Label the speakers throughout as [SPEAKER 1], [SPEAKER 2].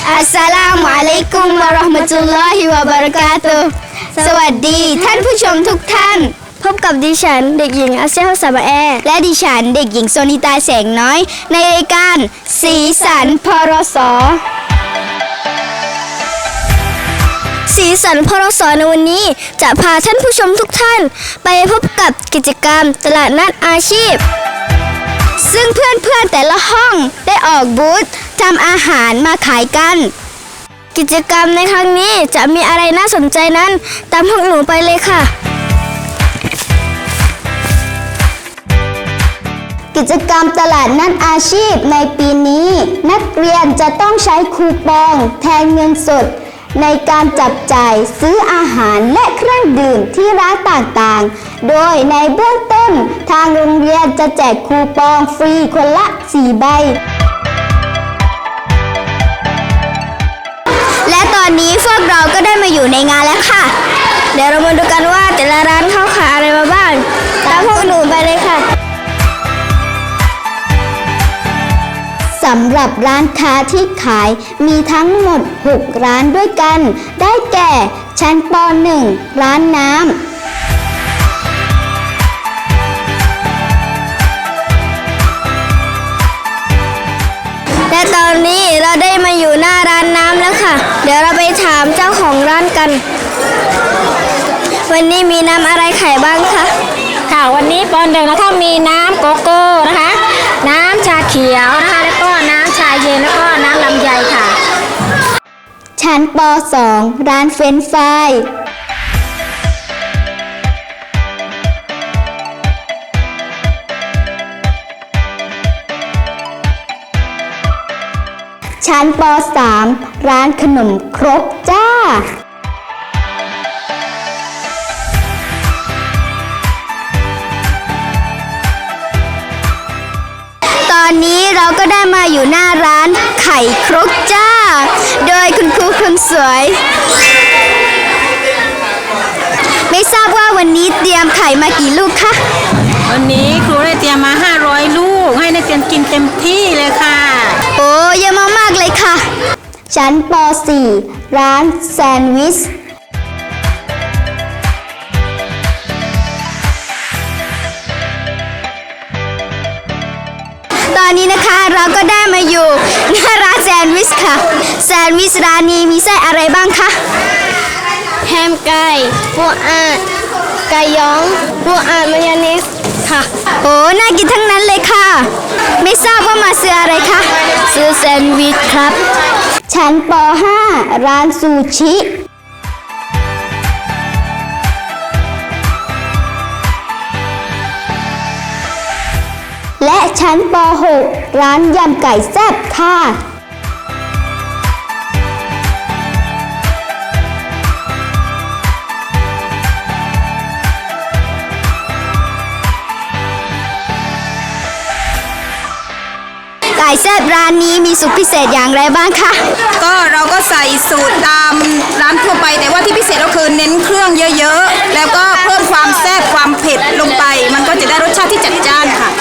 [SPEAKER 1] อัสสลามุอะลัยกุมวะเราะห์มะตุลลอฮิวะบะเราะกาตุฮ์สวัสดีท่านผู้ชมทุกท่านพบกับดิฉันเด็กหญิงอาเซียฮุสาบะแอและดิฉันเด็กหญิงโซนิตาแสงน้อยในรายการสีสันพรสสีสันพรสในวันนี้จะพาท่านผู้ชมทุกท่านไปพบกับกิจกรรมตลาดนัดอาชีพซึ่งเพื่อนๆแต่ละห้องได้ออกบูธทำอาหารมาขายกันกิจกรรมในครั้งนี้จะมีอะไรน่าสนใจนั้นตามพวกหนูไปเลยค่ะกิจกรรมตลาดนัดอาชีพในปีนี้นักเรียนจะต้องใช้คูปองแทนเงินสดในการจับจ่ายซื้ออาหารและเครื่องดื่มที่ร้านต่างๆโดยในเบื้องต้นทางโรงเรียนจะแจกคูปองฟรีคนละ4 ใบและตอนนี้พวกเราก็ได้มาอยู่ในงานแล้วค่ะเดี๋ยวเรามาดูกันว่าแต่ละร้านเขาขายอะไรมาบ้างตามพวกหนูไปเลยค่ะสำหรับร้านค้าที่ขายมีทั้งหมด6 ร้านด้วยกันได้แก่ชั้นป .1 ร้านน้ำและตอนนี้เราได้มาอยู่หน้าร้านน้ำแล้วค่ะเดี๋ยวเราไปถามเจ้าของร้านกันวันนี้มีน้ำอะไรขายบ้างคะ
[SPEAKER 2] ค่ะวันนี้ป .1 นะคะมีน้ำโกโก้นะคะน้ำชาเขียวนะคะแล้วก็น้ำชาเย็นแล้วก็น้ำลำไยค่ะ
[SPEAKER 1] ชั้นป .2 ร้านเฟรนช์ฟรายชั้นป .3 ร้านขนมครกจ้าตอนนี้เราก็ได้มาอยู่หน้าร้านไข่ครกจ้าโดยคุณครูคนสวยไม่ทราบว่าวันนี้เตรียมไข่มากี่ลูกคะ
[SPEAKER 2] วันนี้ครูได้เตรียมมา500 ลูกให้นักเรียนกินเต็มที่เลยค่ะ
[SPEAKER 1] โอ้เยอะมากๆเลยค่ะชั้นป .4 ร้านแซนด์วิชตอนนี้นะคะเราก็ได้มาอยู่หน้าร้านแซนด์วิชค่ะแซนด์วิชร้านนี้มีไส้อะไรบ้างคะแฮมไก่ปูอัดไก่ย้องปูอัดมายองเนสค่ะโอ้น่ากินทั้งนั้นเลยค่ะไม่ทราบว่ามาซื้ออะไรคะซื้อแซนด์วิชครับชั้นป .5 ร้านซูชิและชั้นป .6 ร้านยำไก่แซ่บค่ะไก่แซ่บร้านนี้มีสูตรพิเศษอย่างไรบ้างคะ
[SPEAKER 2] ก็เราก็ใส่สูตรตามร้านทั่วไปแต่ว่าที่พิเศษก็คือเน้นเครื่องเยอะๆแล้วก็เพิ่มความแซ่บความเผ็ดลงไปมันก็จะได้รสชาติที่จัดจ้านค่ะ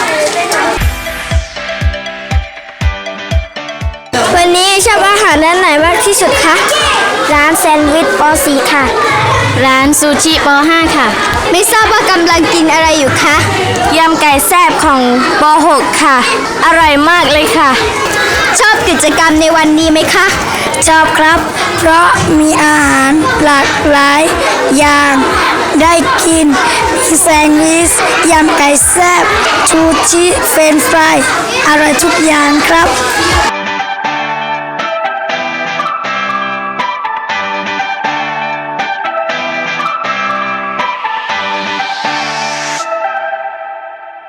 [SPEAKER 1] วันนี้ชอบอาหารร้านไหนมากที่สุดคะร้านแซนด์วิชป .4 ค่ะ
[SPEAKER 2] ร้านซูชิป .5 ค่ะ
[SPEAKER 1] ไม่ทราบว่ากำลังกินอะไรอยู่คะ
[SPEAKER 2] ยำไก่แซ่บของป .6 ค่ะอร่อยมากเลยค่ะ
[SPEAKER 1] ชอบกิจกรรมในวันนี้ไหมคะ
[SPEAKER 2] ชอบครับเพราะมีอาหารหลากหลายอย่างได้กินมีแซนด์วิชยำไก่แซ่บชูชิเฟรนช์ฟรายอร่อยทุกอย่างครับ